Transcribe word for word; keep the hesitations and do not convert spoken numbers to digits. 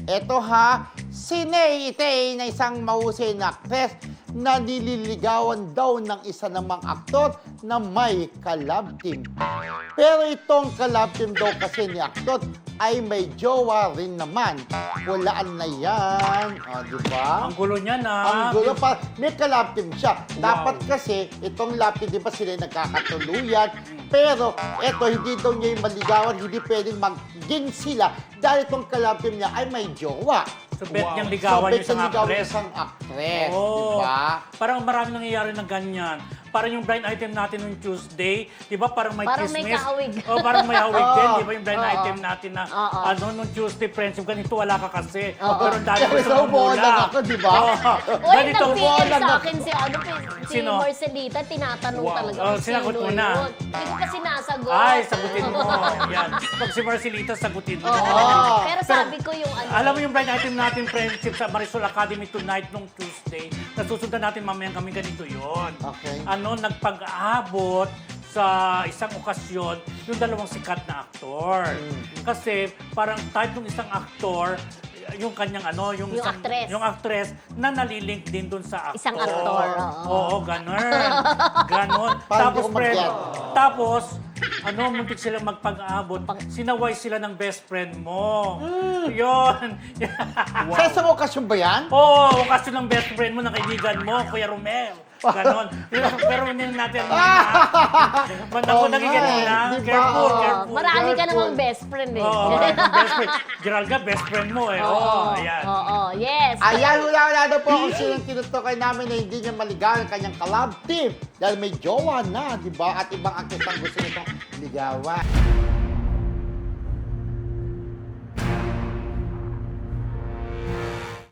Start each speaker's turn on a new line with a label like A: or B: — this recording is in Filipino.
A: Eto ha, si Ney Itay na isang mahusay na actress na nililigawan daw ng isa namang aktor na may collab team. Pero itong collab team daw kasi ni aktor ay may jowa rin naman. Walaan na yan. O, di ba?
B: Ang gulo niya na.
A: Ang gulo pa. May collab team siya. Dapat kasi, itong lab team, di ba sila nagkakatuluyan? Pero, eto, hindi daw niya yung maligawan, hindi pwedeng maging sila dahil itong collab team niya ay may jowa.
B: So, bet
C: Wow.
B: niyang ligawan
A: so,
B: yung isang
A: bet niyang ligawan
B: actress.
A: yung isang actress.
B: Oo.
A: Diba?
B: Parang marami nangyayari na ganyan. Parang yung blind item natin nung Tuesday, di ba parang may
D: Parang may
B: chismis.
D: kahawig.
B: Oh, parang may hawig din,
A: Oo.
B: di ba yung blind
D: Oo.
B: item natin na
D: Oo.
B: ano nung Tuesday friendship, ganito wala ka kasi.
D: Oo.
B: Pero ang dami
A: Kaya
B: ko sa
A: umuulan ako, di ba?
D: Uy,
B: Ganito.
D: nag-P M
A: wala
D: sa
A: na-
D: akin si, ano, si
B: Sino?
D: Marcelita, tinatanong
C: Wow.
D: talaga
B: Oh,
D: kung
B: sinagot
D: sino
B: mo na.
D: yun. Hindi ko pa sinasagot.
B: Ay, sagutin mo. Yan. Pag si Marcelita, sagutin mo.
D: Oo. Pero sabi ko yung ano.
B: Alam mo yung blind item natin friendship sa Marisol Academy tonight nung Tuesday. Nasusundan natin mamayang kami ganito yon.
A: Okay.
B: Ano, nagpag-aabot sa isang okasyon yung dalawang sikat na aktor.
D: Mm.
B: Kasi parang type ng isang aktor, yung kanyang ano, yung,
D: Yung
B: isang,
D: actress.
B: yung actress na nalilink din dun sa actor.
D: Isang actor, oo.
B: Oo, ganun. Ganon.
A: Parang
B: Tapos,
A: di ko
B: friend,
A: mag-get.
B: tapos, ano, muntik silang magpag-abot.
D: Pag-
B: Sinaway sila ng best friend mo.
A: Hmm.
B: Yun.
A: Sa isang okasyon ba yan?
B: Oo, oh, kasi ng best friend mo, ng kaibigan mo, Kuya Romel. Ganon. Pero hindi natin ano na. Banda ko
A: Oo
B: nagiging
A: nga eh,
B: na.
A: di ba?
B: Careful,
A: Oo.
B: careful.
D: Marami ka
A: Careful.
D: namang best friend eh.
B: Oo, oh, best friend. Gerald ka, best friend mo eh. Oo, oh, ayan.
D: Oo, yes.
A: Ayan, wala-wala na po kung sinong tinutukoy namin na hindi niya maligawan ang kanyang collab team dahil may jowa na, di ba? At ibang actress ang gusto nitong ligawan.